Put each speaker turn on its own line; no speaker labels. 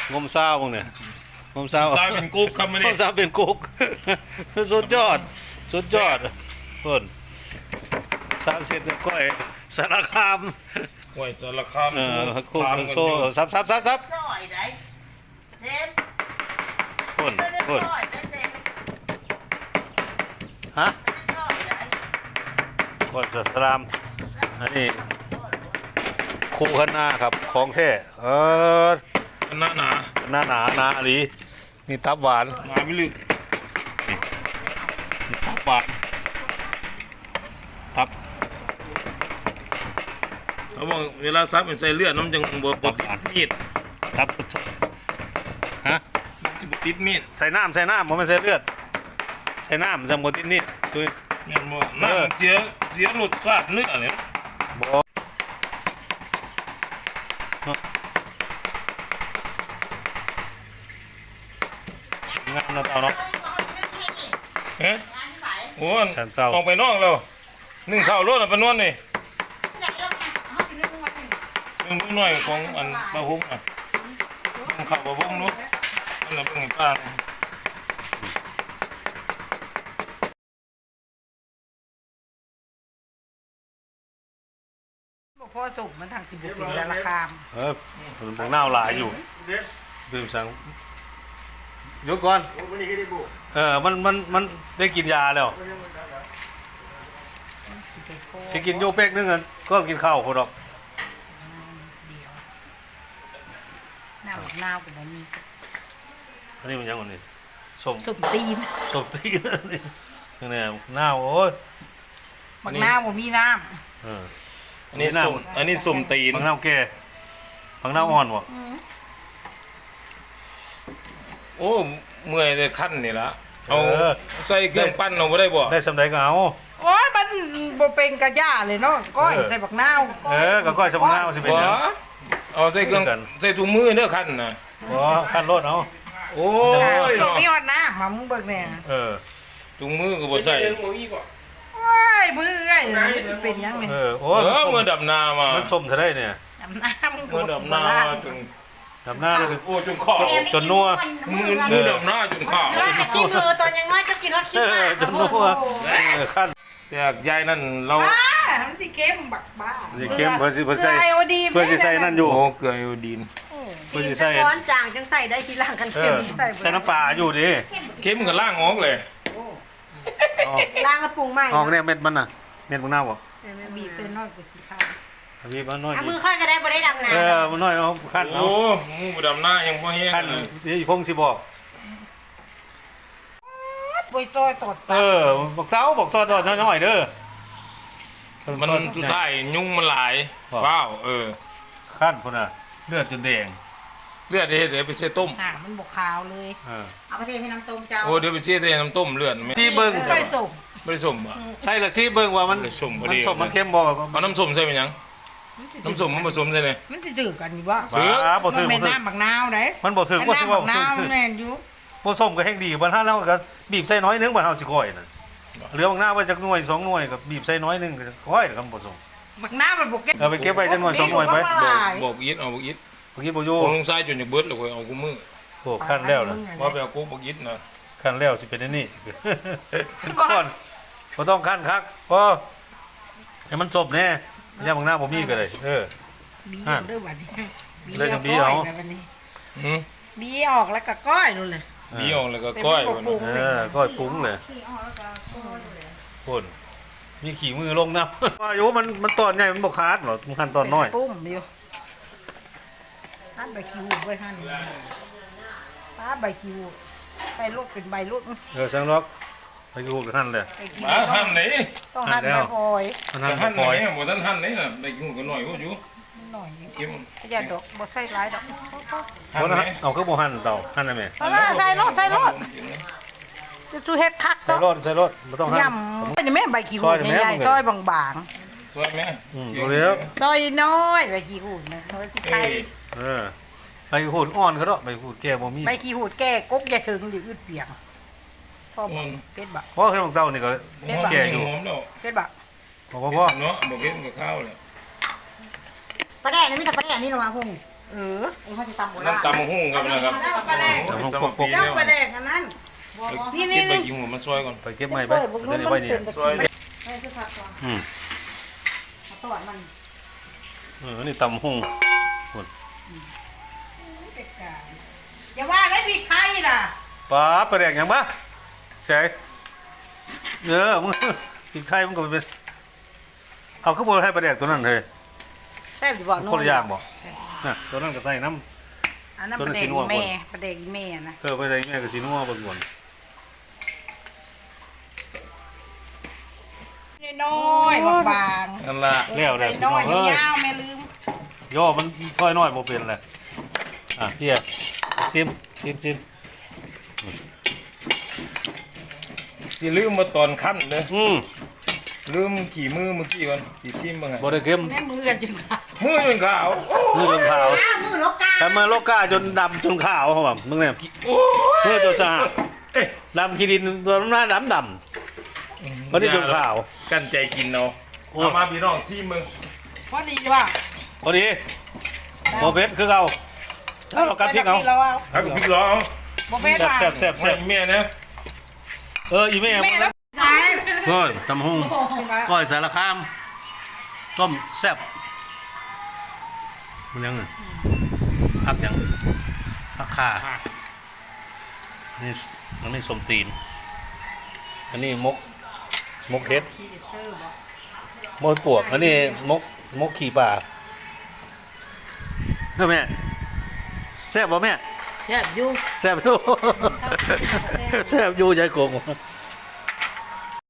งมเศร้าพวกเนี่ยงมเศร้า
ซาเป็นกุ๊กครับไม่
ง
ได้
มเศร้าเป็นกุ๊กสุดยอดสุดยอดคนสารเสร็จก้อยสารคาม
ห้วยสารคาม
คุกโซ่ซับ
ช่อยได้เทม
คน
ช่อยได้เทม
ฮะ
ช่อยได้
ก้อยสารามอันนี้คู่ข้างหน้าครับของแท้
หน้าหนา
หน้าหนาหนาอลีนี่ทับหวาน
หนาไม่ลึก
นี่ทับหวานทับ
เขาบอกเวลาซับเป็นใส่เลือดน้ำจังบวติดมีด
ทับฮะ
จะติดมีด
ใส่น้ำผมไม่ใส่เลือดใส่น้ำจังบติดนี่ตัว
แม่นบ่น้ำเสียรสชาติเนื้อเนี่ย
บ่งามเนาะเต่าเนาะ
เฮ้ยโอ้ย
แสนเต่า
ออกไปนอกแล้วนึ่งข้าวรถไปนวดนี่นึ่งมือหน่อยของอันปลาหุ้งอ่ะนึ่งข้าวปลาหุ้งนู้นนั่นแหละเป็นไงป้า
พ่อสุกมันทางสิบบุกเป็นราคา
ผมบอกหน้าหลายอยู่ดื่มสังยกก่อนมันได้กินยาแล้วสิกินโยเป๊กนึงก็กินข้าวคนดอก
หน้าหน้าเป็นแบบนี้
อันนี้มันยังไงนี่ส้ม
สุกตีน
ส้มตีนนี่เนี่ยหน้าโอ้ย
บักหน้าผมมีน้
อันนี้สุ่มตีน
บางหน้าแก่บางหน้าอ่อนวะ
โอ้เมื่อยเลยขั้นนี่ละเอาใส่เครื่องปั้นเอาไม่ได้บ่
ได้สำใดก็เอา
ำโอ้ยมันบ่เป็นกระย่าเลยเนาะก้อยใส่บักนาว
ก็ก้อยสมหน้าสิเป็น
บ่
หยัง
เอาใส่เครื่องใส่ถุงมือเด้อขั้นน่ะ
บ่ขั้นรถเอา
โอ้ยเนาะ
มีฮอดน้ำมามึงเบิกเนี่ย
ถุงมือก็บ่ใส่
โอ้ยมือเอ้ยมันจะเป็นยังไง
โอ้
เมื่อดับนามา
มันส้มเท่าได้เนี่ย
น้ำน้ำมึง
เมื่อดับนาจน
ดำหน้าเลย
โอ้จนขอ
จนนัว
มือดับนาจนขาว
ว่าแต่กินมือตอนยังน้อยก็กินว่าคิดมาก
จนนัวขั้น
แต่ยายนั่นเรา
บ้ามันสิเข้มบักบ้า
สิเข้มเพื่อสิใส่
ไอโอดี
เพื่อสิใส่นั่นอยู่
โอ้เกลือไอโอดีน
เพื่อ
กิ
สิ
น
ใส่
ร้อนจางจังใส่ได้ทีหลังกันเค็ม
ใส่น้ำปลาอยู่ดิ
เข้มกับล่างออกเลย
ล้างกระปุงใหม่
ออกเนี่ยเม็ดมันน่ะเม็ดมันเน่าบ่
บีบเป็นน้อยกว่าสีขาว
พี่มันน้อย
มือค่อยก็ได้บ่ได้ดำน้
มันน้อยเอาขั้นเอา
โอ้มือดับนายังพอแห้ง
ขั้นนี่พงสิบอก
ปุยซอยตด
บอกเต้าบอกซอดน้อยเด้อ
มันสุดท้ายยุ่งมันหลายว้าว
ขั้นพุ่นน่ะเลือดจนแดง
เลือดเดี๋ยวไปเสียต้ม
หามันบกขาวเลย
ำเอาไปเทให้น้ำต้มเจ้า
โอ้เดี๋ยวไปเสียแต่น้ำต้มเลือดไหม
ซีเบิ้ง
ไม่ส่ง
ไม่ได้สมอ่ะ
ใส่ละซีเบิ้งว่ามัน
ไม่ส้มบ่
มัน
ดี
สมมันเข้มบ่
เอาน้ำส้มใส่เป็นยังน้ำส้มมันผสมใส่เลย
มันจะจืดกันอยู่ว่า
บ่
มัน
ถึง
เป็นน้ำบักนาวไหน
มันบ่ถึง
เป็น
บ่
น้ำ
ถึง
บั
ว่าก
นาวแน่นอยู่
บ่ส้มก็แห้งดีบ่ถ้าเราก็บีบใส่น้อยนึงบ่เฮาสิก้อยน่ะเหลือบางหน้าไว้จักหน่วย2หน่วยก็บีบใส่น้อยนึงก็ก้อยครับบ่ส้ม
บักนาวมันบกเก็บ
เอาไปเก็บไว้จักหน่วย2หน่วยไป
บอกอิดเอาบอกอิด
เมื่อกี้บ่อยู่
ผมลงซ้ายจนจะเบิดเลยเอากูมือ
โอ้ขั้นแล้วนะ
ว่าไปเอากูบอกอิดนะ
ขั้นแล้วสิเป็นอันนี้เป็นก้อนบ่ต้องขั้นคักพอให้มันจบแน่ย่าบางหน้าบ่มีก็ได้
บีเด้อวันนี้
เลยจังบีเอา
บีออกแล้วก็ก้อยนู่นเลย
บีออกแล้วก็ก้อย
ก้อยปุ้งเลยคนมีขี่มือลงน้ำว่าอยู่มันตอนใหญ่มันบกขาดหรอมันขั้นตอนน้อย
ปุ้มอยู่หั่นใบคิวไว้หั่นป้าใบคิวใบลูกเป็นใบลูก
สังล็อกไปกูหั่นเลย
มาหั่นไหน
ต้องหั่นใบพลอย
มัน
หั่
หั่
น
น
ไหน
ปล่อย
บ่ทันหั่นไหนน่ะได้กินกันหน่อยว่าอยู่
หน่อย
กิน
อย่าดอกบ่ใส่หลายดอก
คนเอาเครื่องโบหั่นเต่าหั่นได้ไหม
ใส่รถจะชูเฮ็ดคัก
ใส่รถไม่ต้องหั่น
ยำเป็นแม่ใบขี้หูใหญ่ๆซอยบาง
สวยไหม
ดูแล้ว
ๆซอยน้อยใบขี้หูนะเฮ้ยสิไข่
ไปหูดอ่อนเขาเนาะไปหูดแก่บ่มี
ใบขี้หูแก่กกอย่าถึงหรืออึดเปียงพ่อบอกเป็ดบัก
เพราะเครื่องเต่านี่ก็
แก่อยู่หอมแล้ว
เป็ดบัก
บอกว่าพ่อ
เนาะบอกเห็นกับข้าวเลย
ปลาแดกนี่มีแต่ปลาแดกนี่ลงมาพุ่งเขาจะตำโบราณ
น้ำตำมะฮุ่งครับนะครับ
ปลาแดก
สมปี
เจ้า
แล้ว
ปลาแดกอันนั้น
เก็บใบกิมหัวมันซอยก่อน
ไปเก็บไม้ไปเดี๋ยวนี้ไว้นี่
ซอย
ไม่คือผักก่อน
อืม
เอาตอดมัน
อันนี้ตำหุ่ง
อย่าว่าได้ผิดใครล่ะ
ป้าไปแดกหยังบ้าใช่มึงกินไข่มันก็เป็นเอาข้าวโพดให้ไปแดกตัวนั้นเลย
แซ่บอยู่บ่
คนละอย่างบ่น่ะตัวนั้นก็ใส่น้
อันนั้น
ตัว
ป
นั้
ลาน แด
สี
ก
นัว
แม่ปลาแดกแม่นะ
ำไปแดกแม่ก็สีนัวบนบน
น้อยบาง
นั่นละ
แล้วเลย
น้อย
เฮ้ย
ยาวแม่ลืม
ย่อมันซอยน้อยโมเป็นเลยเฮียซิม
สิลืมมาตอนขั้นเลย
ลื
ลืมขี่มือเมื่อกี้ก่อนสิซิมบ้างไง
บ่ได้เข้ม
แม่มือกันจนขาด
มือจนขาว
มือจนขาว
มือลกกา
แต่มือโลกาจนดำจนขาวเขาแบบมึงเนี่ย
โอ้
มือจนสะอาด
เอ๊ะ
ดำขี้ดินตัวหน้าดำวันนี้จนขาว
กันใจกินเนาะ
โอ้
เอามาพี่น้องซิมมึง
พอดีว่า
พอดีโมเบ็ดคือเอาถ้าเรากัดพริกเอา
เราเอา
ครับพี่ร้อง
บ่เป็นว่า
แซ่บ
แซ่บแม่นะ
อีแม่
แม่แล้ว
เฮ้ยตำหุ่งก้อยสารคามต้มแซ่บมันยังไงผักยังผักข่าอันนี้สมตีนอันนี้มกเฮ็ดมกปวกอันนี้มกขี่ป่าเฮ้ยแม่แซ่บป่ะแม่
แซ่บอยู่
แซ่บอยู่แซ่บอยู่ใจโกง